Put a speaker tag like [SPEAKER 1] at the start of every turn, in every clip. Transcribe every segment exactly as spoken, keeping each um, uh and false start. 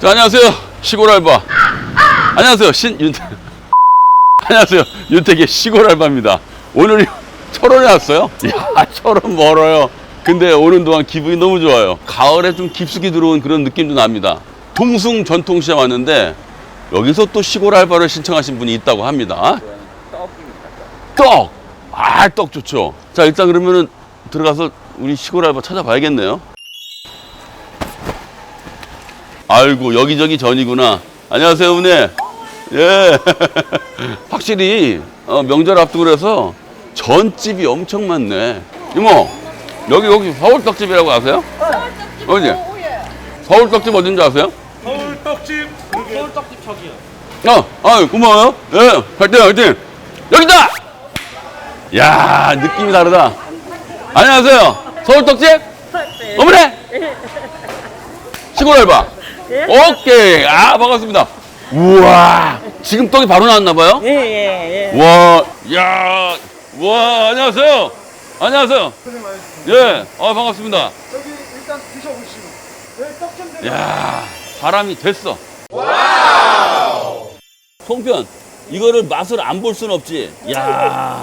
[SPEAKER 1] 자, 안녕하세요. 시골 알바. 안녕하세요. 신윤태. 안녕하세요. 윤택의 시골 알바입니다. 오늘이 철원에 왔어요. 야, 철원 멀어요. 근데 오는 동안 기분이 너무 좋아요. 가을에 좀 깊숙이 들어온 그런 느낌도 납니다. 동숭 전통시장 왔는데 여기서 또 시골 알바를 신청하신 분이 있다고 합니다. 떡! 아, 떡 좋죠. 자, 일단 그러면은 들어가서 우리 시골 알바 찾아봐야겠네요. 아이고, 여기저기 전이구나. 안녕하세요, 어머니. 예. 확실히 어, 명절 앞두고 그래서 전집이 엄청 많네. 이모, 여기 여기 서울떡집이라고 아세요?
[SPEAKER 2] 서울떡집
[SPEAKER 1] 어디?
[SPEAKER 2] 오후에.
[SPEAKER 1] 서울떡집 어딘지 아세요?
[SPEAKER 3] 서울떡집 서울떡집 저기요.
[SPEAKER 1] 어, 아유, 고마워요. 예, 화이팅, 화이팅. 여기다! 야, 느낌이 다르다. 안녕하세요. 서울떡집?
[SPEAKER 2] 네.
[SPEAKER 1] 어머니! 시골 알바.
[SPEAKER 2] 예?
[SPEAKER 1] 오케이. 아, 반갑습니다. 우와, 지금 떡이 바로 나왔나봐요?
[SPEAKER 2] 예, 예, 예.
[SPEAKER 1] 와, 야, 와, 안녕하세요. 안녕하세요. 예, 아, 반갑습니다.
[SPEAKER 3] 여기 일단 드셔보시고. 여기 떡좀 드세요.
[SPEAKER 1] 야, 사람이 됐어. 와우. 송편, 이거를 맛을 안 볼 순 없지. 야.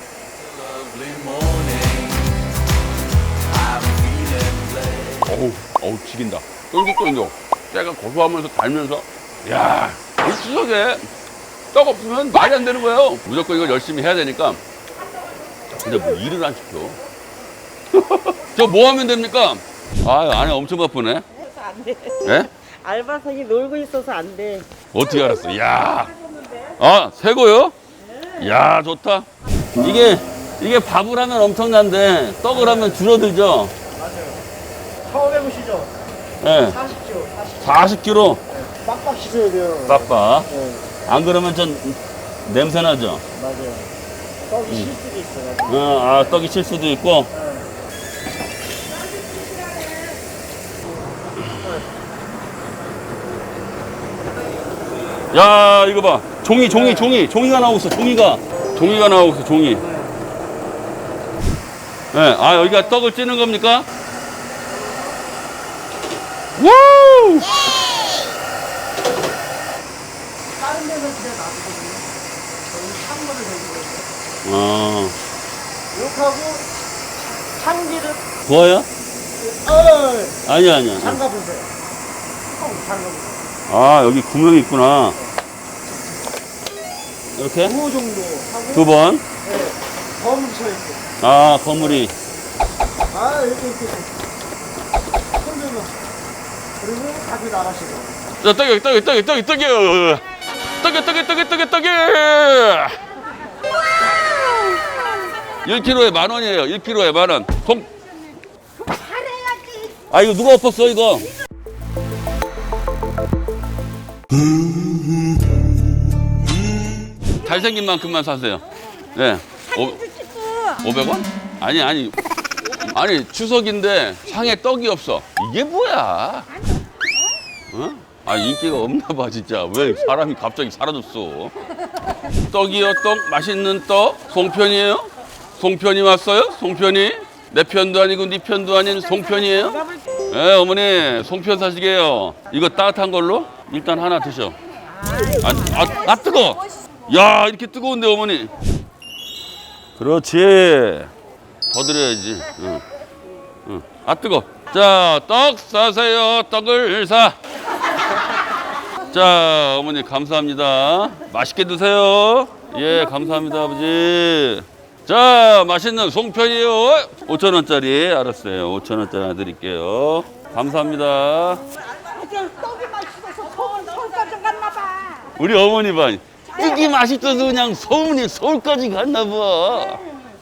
[SPEAKER 1] 어우, 어우, 죽인다. 쫄깃쫄깃. 때가 고소하면서 달면서. 야, 이 추석에 떡 없으면 말이 안 되는 거예요. 무조건 이걸 열심히 해야 되니까. 근데 뭐 일을 안 시켜. 저 뭐 하면 됩니까? 아, 안에 엄청 바쁘네.
[SPEAKER 2] 안 돼.
[SPEAKER 1] 예?
[SPEAKER 2] 알바생이 놀고 있어서 안 돼.
[SPEAKER 1] 어떻게 알았어? 야, 아, 새거요? 야, 좋다. 이게, 이게 밥을 하면 엄청난데, 떡을 하면 줄어들죠?
[SPEAKER 3] 처음 해보시죠.
[SPEAKER 1] 예.
[SPEAKER 3] 사십 킬로그램. 사십
[SPEAKER 1] 사십 킬로그램.
[SPEAKER 3] 빡빡 씻어야 돼요.
[SPEAKER 1] 빡빡.
[SPEAKER 3] 네,
[SPEAKER 1] 안 그러면 전 냄새 나죠?
[SPEAKER 3] 맞아요. 떡이 실 수도 있어요.
[SPEAKER 1] 어, 아, 떡이 칠 수도 있고. 야, 이거 봐. 종이, 종이, 종이. 종이가 나오고 있어, 종이가. 종이가 나오고 있어, 종이. 네, 아, 여기가 떡을 찌는 겁니까? 우!
[SPEAKER 3] 다른 데는 그냥 놔두거든요. 저희 찬물을 내주고 있어요.
[SPEAKER 1] 아,
[SPEAKER 3] 이렇게 하고 참기름.
[SPEAKER 1] 부어요?
[SPEAKER 3] 어,
[SPEAKER 1] 아니야, 아니야.
[SPEAKER 3] 잠가보세요. 통 잠가보세요.
[SPEAKER 1] 아, 여기 구멍이 있구나. 이렇게?
[SPEAKER 3] 두 정도 하고.
[SPEAKER 1] 두 번.
[SPEAKER 3] 네, 더 뭉쳐있고.
[SPEAKER 1] 아, 거물이.
[SPEAKER 3] 아, 이렇게 이렇게. 손들면. 그리고 다시 나가시고.
[SPEAKER 1] 자, 떡이, 떡이, 떡이, 떡이, 떡이. 떡이, 떡이, 떡이, 떡이, 떡이. 일 킬로그램에 만 원이에요. 일 킬로그램에 만 원. 통. 아, 이거 누가 엎었어, 이거? 잘생긴 만큼만 사세요. 네. 오백 원? 아니, 아니. 아니, 추석인데 상에 떡이 없어. 이게 뭐야? 어? 아, 인기가 없나 봐, 진짜. 왜 사람이 갑자기 사라졌어? 떡이요, 떡. 맛있는 떡. 송편이에요? 송편이 왔어요? 송편이? 내 편도 아니고 네 편도 아닌 송편이에요? 네, 어머니, 송편 사시게요. 이거 따뜻한 걸로? 일단 하나 드셔. 아, 아, 아 뜨거! 야, 이렇게 뜨거운데, 어머니. 그렇지. 더 드려야지. 응. 응. 아, 뜨거. 자, 떡 사세요. 떡을 사. 자, 어머니, 감사합니다. 맛있게 드세요. 예, 감사합니다, 아버지. 자, 맛있는 송편이요. 오천 원짜리. 알았어요. 오천 원짜리 하나 드릴게요. 감사합니다.
[SPEAKER 2] 떡이 맛있어서 서울, 서울까지 갔나 봐.
[SPEAKER 1] 우리 어머니 봐. 떡이 맛있어서 그냥 서울이 서울까지 갔나 봐.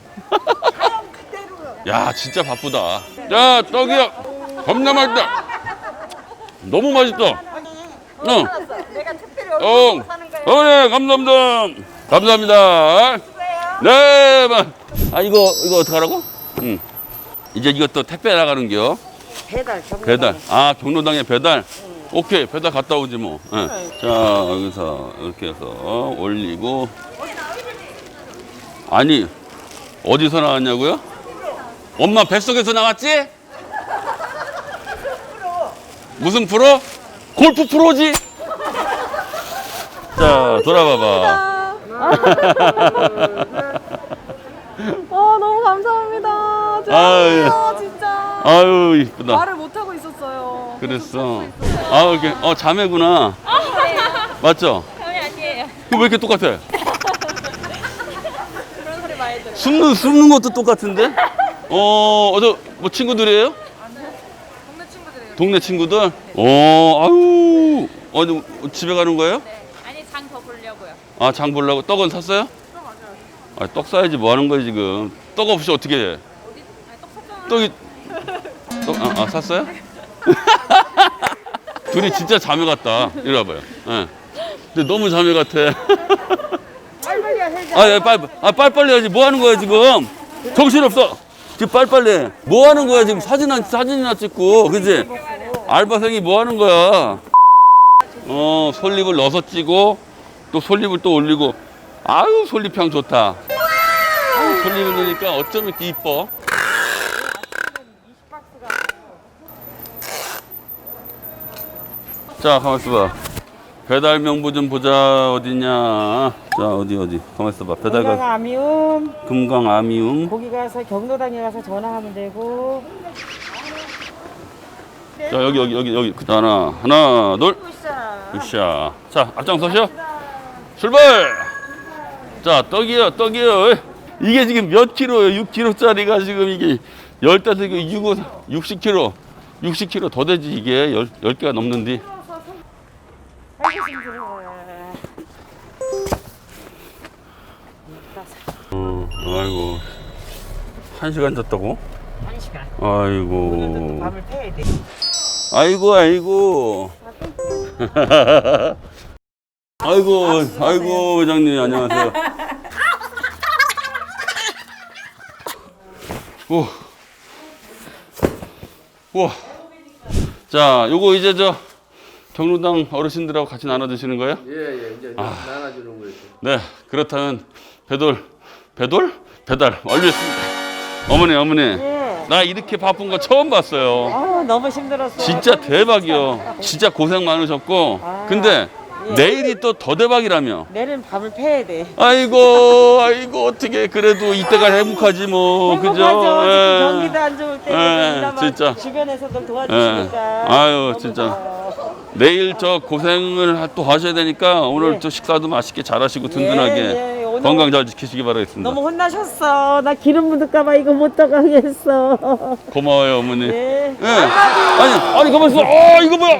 [SPEAKER 1] 야, 진짜 바쁘다. 자, 떡이요. 겁나 맛있다. 너무 맛있다. 응.
[SPEAKER 2] 내가 특별히
[SPEAKER 1] 어,
[SPEAKER 2] 얼굴 사는 거예요.
[SPEAKER 1] 어머니, 감사합니다. 감사합니다. 네, 마. 아, 이거, 이거 어떡하라고? 응. 이제 이것도 택배 나가는겨.
[SPEAKER 2] 배달, 경로.
[SPEAKER 1] 배달. 아, 경로당에 배달? 오케이, 배달 갔다 오지 뭐. 예. 자, 여기서 이렇게 해서 올리고. 아니, 어디서 나왔냐고요? 엄마 뱃속에서 나왔지? 무슨 프로? 골프 프로지? 자, 돌아봐봐.
[SPEAKER 4] 어, 너무 감사합니다.
[SPEAKER 1] 아유.
[SPEAKER 4] 죄송해요, 진짜.
[SPEAKER 1] 아유, 이쁘다.
[SPEAKER 4] 말을 못 하고 있었어요.
[SPEAKER 1] 그랬어. 아, 이렇게, 어, 자매구나. 맞죠?
[SPEAKER 4] 형이 아니에요.
[SPEAKER 1] 왜 이렇게 똑같아?
[SPEAKER 4] 그런 소리 많이 들어요.
[SPEAKER 1] 숨는, 숨는 것도 똑같은데? 어, 어저, 뭐 친구들이에요?
[SPEAKER 4] 동네 친구들이에요.
[SPEAKER 1] 동네 친구들? 어, 아유, 어디 집에 가는 거예요?
[SPEAKER 4] 네. 아니, 장 더 보려고요.
[SPEAKER 1] 아, 장 보려고? 떡은 샀어요? 아, 떡 사야지 뭐 하는 거야, 지금. 떡 없이 어떻게 해?
[SPEAKER 4] 어디? 아니, 떡 샀잖아.
[SPEAKER 1] 떡이, 떡, 아, 아 샀어요? 둘이 진짜 자매 같다. 이리 와봐요. 예. 근데 너무 자매 같아.
[SPEAKER 2] 빨리빨리 해야지.
[SPEAKER 1] 아, 야, 빨리, 아, 빨리빨리 해야지. 뭐 하는 거야, 지금? 정신없어. 지금 빨리빨리 해. 뭐 하는 거야, 지금 사진, 사진이나 찍고. 그지? 알바생이 뭐 하는 거야? 어, 솔잎을 넣어서 찌고, 또 솔잎을 또 올리고. 아유, 솔잎향 좋다. 아유, 솔잎을 넣으니까 어쩜 이렇게 이뻐? 자, 가만 있어봐. 배달 명부 좀 보자. 어디냐? 자, 어디 어디. 가만 있어봐. 배달
[SPEAKER 2] 건강
[SPEAKER 1] 가.
[SPEAKER 2] 아미움.
[SPEAKER 1] 금강 아미움.
[SPEAKER 2] 거기 가서 경로당에 가서 전화하면 되고.
[SPEAKER 1] 자, 여기 여기 여기 여기. 자, 하나 하나 둘. 으쌰. 자, 앞장서시오. 출발. 자, 떡이요, 떡이요. 이게 지금 몇 킬로예요? 육 킬로짜리가 지금 이게 열다섯 개, 육, 육십 킬로. 육십 킬로 더 되지 이게 열, 열 개가 넘는데. 어, 아이고. 한 시간 잤다고?
[SPEAKER 2] 한 시간.
[SPEAKER 1] 아이고.
[SPEAKER 2] 밤을 패야 돼.
[SPEAKER 1] 아이고, 아이고. 아이고, 아이고, 회장님, 안녕하세요. 오. 우와. 자, 요거 이제 저 경로당 어르신들하고 같이 나눠 드시는 거예요?
[SPEAKER 3] 예, 예, 이제 나눠주는 거죠.
[SPEAKER 1] 네, 그렇다면 배돌, 배돌? 배달 완료했습니다. 어머니, 어머니.
[SPEAKER 2] 예.
[SPEAKER 1] 나 이렇게 바쁜 거 처음 봤어요.
[SPEAKER 2] 아, 너무 힘들었어.
[SPEAKER 1] 진짜 대박이요. 진짜 고생 많으셨고.
[SPEAKER 2] 아,
[SPEAKER 1] 근데
[SPEAKER 2] 예.
[SPEAKER 1] 내일이 또 더 대박이라며.
[SPEAKER 2] 내일은 밤을 패야 돼.
[SPEAKER 1] 아이고, 아이고, 어떻게 그래도 이때가 행복하지 뭐. 그죠?
[SPEAKER 2] 행복하죠.
[SPEAKER 1] 예.
[SPEAKER 2] 지금 경기도 안 좋을 때
[SPEAKER 1] 예,
[SPEAKER 2] 그나마
[SPEAKER 1] 진짜.
[SPEAKER 2] 주변에서도
[SPEAKER 1] 예.
[SPEAKER 2] 도와주시니까.
[SPEAKER 1] 아유,
[SPEAKER 2] 너무
[SPEAKER 1] 진짜.
[SPEAKER 2] 고마워.
[SPEAKER 1] 내일 저 고생을 하- 또 하셔야 되니까 오늘
[SPEAKER 2] 예.
[SPEAKER 1] 또 식사도 맛있게 잘하시고 든든하게
[SPEAKER 2] 예, 예. 오늘
[SPEAKER 1] 건강 잘 지키시기 바라겠습니다.
[SPEAKER 2] 너무 혼나셨어. 나 기름 묻을까봐 이거 못 떠가겠어.
[SPEAKER 1] 고마워요, 어머니.
[SPEAKER 2] 네.
[SPEAKER 1] 예. 아니, 아니, 가만 있어. 어, 이거 뭐야?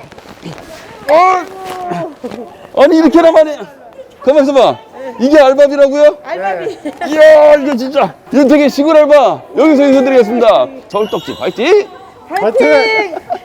[SPEAKER 1] 어! 아니, 이렇게나 많이. 가만 있어봐. 이게 알밥이라고요?
[SPEAKER 2] 알바비.
[SPEAKER 1] 이야, 이거 진짜. 이거 되게 시골 알바. 여기서 인사드리겠습니다. 서울떡집 화이팅!
[SPEAKER 2] 화이팅!